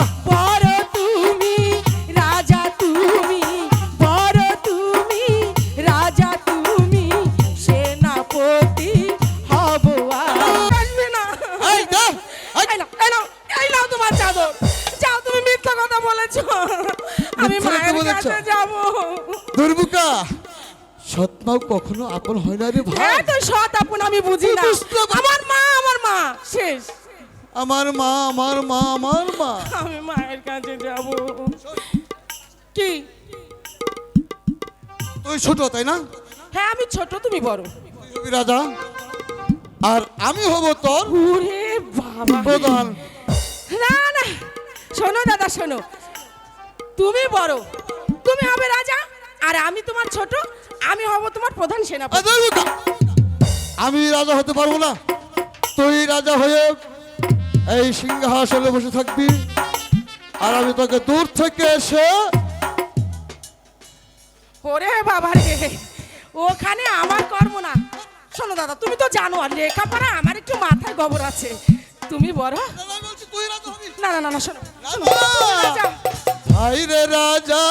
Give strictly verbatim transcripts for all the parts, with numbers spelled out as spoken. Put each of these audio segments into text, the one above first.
বড় তুমি রাজা তুমি বড় তুমি রাজা তুমি সেনাপতি হব আসবে না এই দা এই নাও, এই নাও, এই নাও তোমার চাদর যাও তুমি মিথ্যা কথা বলেছো আমি মিথ্যা কথা মায়ের বলেছো? কাছে যাব দুর্বুকা সৎমাও কখনো আপন হয় না রে ভাই হ্যাঁ তো সৎ আপন আমি বুঝি না তুই বুঝতে পার- আমার মা আমার মা শেষ আমার মা আমার মা আমার মা আমি মায়ের কাছে যাব কি তুই ছোট তাই না হ্যাঁ আমি ছোট তুমি বড় তুই হবি রাজা আর আমি হব তোর ওরে বাবা প্রধান না না শোনো দাদা শোনো তুমি বড় তুমি হবে রাজা আর আমি তোমার ছোট আমি হব তোমার প্রধান এই সেনাপতি দুর্বুকা, আমি রাজা হতে পারবো না তুই রাজা হয়ে এই সিংহাসনে বসে থাকবি আর আমি তোকে দূর থেকে এসে ওরে বাবা রে ওখানে আমার কর্ম না শোনো দাদা তুমি তো জানো আর লেখাপড়া আমার একটু মাথায় গোবর আছে তুমি বড় তুই রাজা হবি না না না না শোনো শোনো, রাজা! তুমি রাজা। ভাই রে রাজা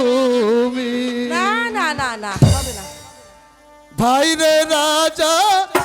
তুমি না না না না হবে না ভাই রে রাজা